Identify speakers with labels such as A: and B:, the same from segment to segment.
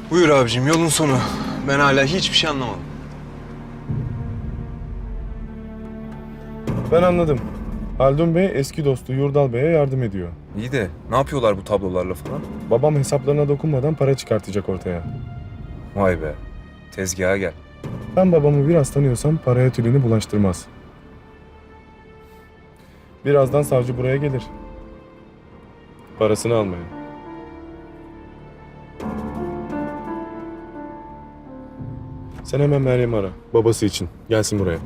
A: Buyur abicim, yolun sonu. Ben hala hiçbir şey anlamadım.
B: Ben anladım. Haldun Bey eski dostu Yurdal Bey'e yardım ediyor.
A: İyi de ne yapıyorlar bu tablolarla falan?
B: Babam hesaplarına dokunmadan para çıkartacak ortaya.
A: Vay be, tezgaha gel.
B: Ben babamı biraz tanıyorsam paraya tülünü bulaştırmaz. Birazdan savcı buraya gelir. Parasını almaya. Sen hemen Meryem'i ara. Babası için. Gelsin buraya.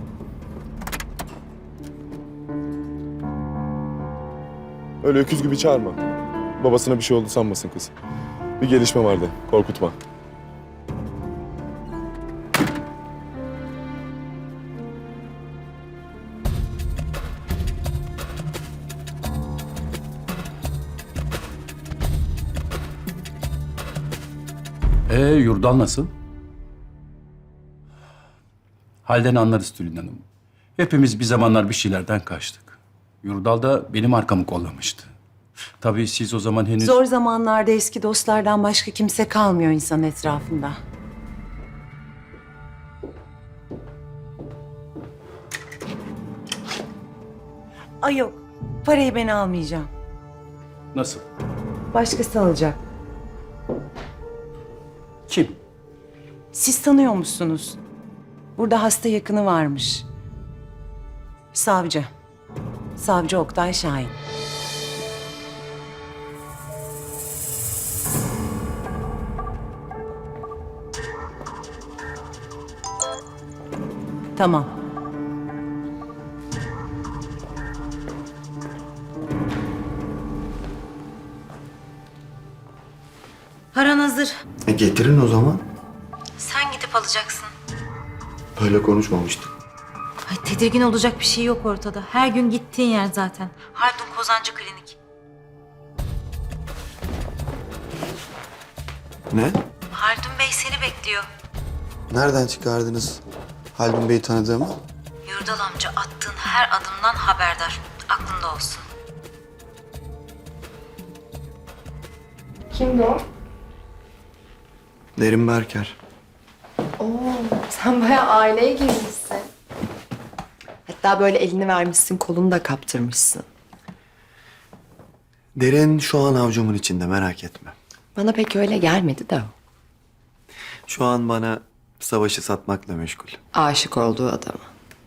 B: Öyle öküz gibi çağırma. Babasına bir şey oldu sanmasın kız. Bir gelişme vardı. Korkutma.
C: Yurdal nasıl? Halden anlarız Tülin Hanım. Hepimiz bir zamanlar bir şeylerden kaçtık. Yurdal da benim arkamı kollamıştı. Tabii siz o zaman henüz...
D: Zor zamanlarda eski dostlardan başka kimse kalmıyor insan etrafında. Ay yok, parayı ben almayacağım.
C: Nasıl?
D: Başkası alacak.
C: Kim?
D: Siz tanıyor musunuz? Burada hasta yakını varmış. Savcı. Savcı Oktay Şahin. Tamam.
E: Paran hazır.
F: Getirin o zaman.
E: Sen gidip alacaksın.
F: Böyle konuşmamıştık.
E: Ay, tedirgin olacak bir şey yok ortada. Her gün gittiğin yer zaten. Haldun Kozancı Klinik.
F: Ne?
E: Haldun Bey seni bekliyor.
F: Nereden çıkardınız Haldun Bey'i tanıdığımı?
E: Yurdal amca attığın her adımdan haberdar. Aklında olsun.
G: Kimdi o?
F: Derin Berker.
G: Sen bayağı aileye girmişsin. Hatta böyle elini vermişsin, kolunu da kaptırmışsın.
F: Derin şu an avcumun içinde, merak etme.
G: Bana pek öyle gelmedi de.
F: Şu an bana savaşı satmakla meşgul.
G: Aşık olduğu adama.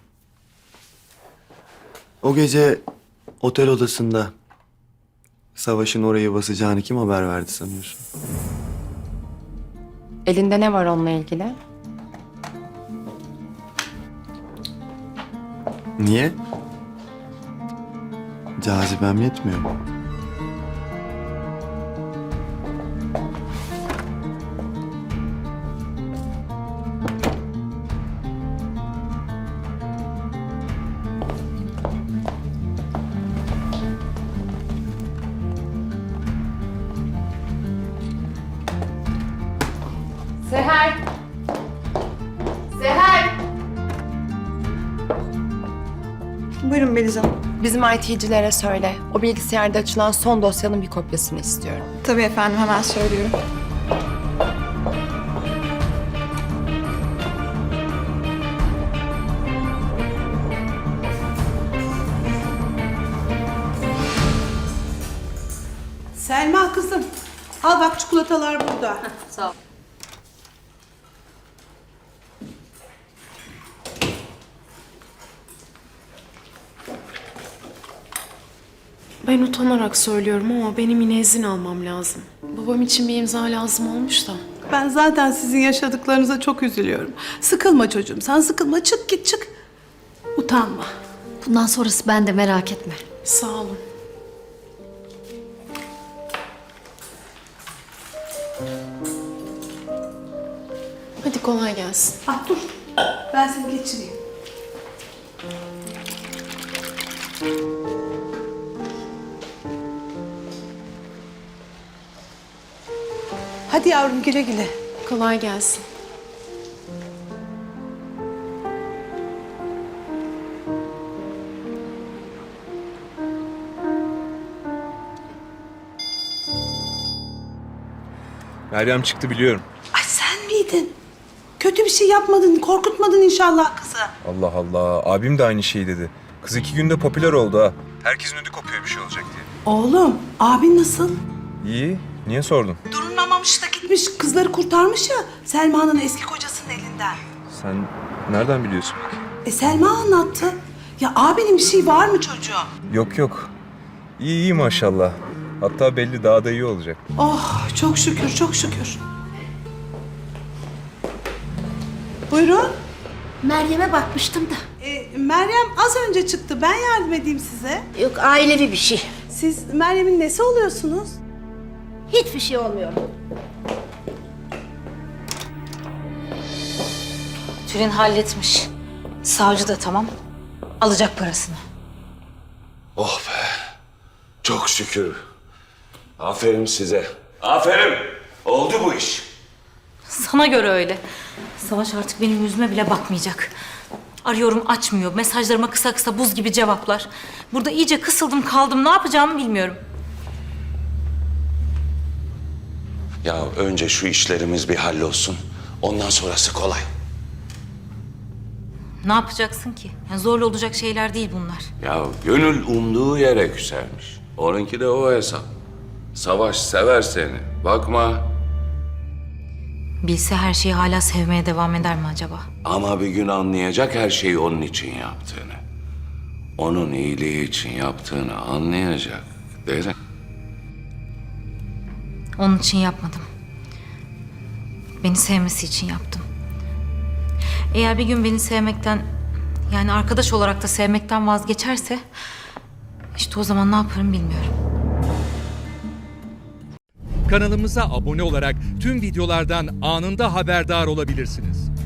F: O gece otel odasında savaşın orayı basacağını kim haber verdi sanıyorsun?
G: Elinde ne var onunla ilgili?
F: Niye? Cazibem yetmiyor mu?
G: Seher! Seher!
D: Buyurun Beliz Hanım.
G: Bizim IT'cilere söyle. O bilgisayarda açılan son dosyanın bir kopyasını istiyorum.
H: Tabii efendim, hemen söylüyorum. Selma kızım, al bak çikolatalar burada.
E: Sağ ol.
I: Ben utanarak söylüyorum ama benim yine izin almam lazım. Babam için bir imza lazım olmuş da.
H: Ben zaten sizin yaşadıklarınıza çok üzülüyorum. Sıkılma çocuğum, sen sıkılma. Çık git çık. Utanma.
E: Bundan sonrası bende, merak etme.
I: Sağ olun. Hadi kolay gelsin.
H: Ah dur, ben seni geçireyim. Hadi yavrum, güle güle.
I: Kolay gelsin.
A: Meryem çıktı biliyorum.
D: Ay
H: miydin? Kötü bir şey yapmadın, korkutmadın inşallah kızı.
A: Allah Allah. Abim de aynı şeyi dedi. Kız 2 günde popüler oldu ha. Herkesin ödü kopuyor bir şey olacak diye.
H: Oğlum, abin nasıl?
A: İyi. Niye sordun?
H: Durulmamış da gitmiş, kızları kurtarmış ya Selma'nın eski kocasının elinden.
A: Sen nereden biliyorsun?
H: Selma anlattı. Ya abinin bir şey var mı çocuğum?
A: Yok yok. İyi maşallah. Hatta belli daha da iyi olacak.
H: Oh, çok şükür, çok şükür. Buyurun.
E: Meryem'e bakmıştım da.
H: Meryem az önce çıktı. Ben yardım edeyim size.
E: Yok, ailevi bir şey.
H: Siz Meryem'in nesi oluyorsunuz?
E: Hiçbir şey olmuyor. Tülin halletmiş. Savcı da tamam. Alacak parasını.
J: Oh be. Çok şükür. Aferin size. Aferin. Oldu bu iş.
E: Sana göre öyle. Savaş artık benim yüzüme bile bakmayacak. Arıyorum açmıyor. Mesajlarıma kısa kısa buz gibi cevaplar. Burada iyice kısıldım kaldım. Ne yapacağımı bilmiyorum.
J: Ya önce şu işlerimiz bir hallolsun. Ondan sonrası kolay.
E: Ne yapacaksın ki? Yani zorla olacak şeyler değil bunlar.
J: Ya gönül umduğu yere küsermiş. Onunki de o hesap. Savaş sever seni. Bakma.
E: Bilse her şeyi hala sevmeye devam eder mi acaba?
J: Ama bir gün anlayacak her şeyi onun için yaptığını. Onun iyiliği için yaptığını anlayacak. Derin.
E: Onun için yapmadım. Beni sevmesi için yaptım. Eğer bir gün beni sevmekten, yani arkadaş olarak da sevmekten vazgeçerse, işte o zaman ne yaparım bilmiyorum.
K: Kanalımıza abone olarak tüm videolardan anında haberdar olabilirsiniz.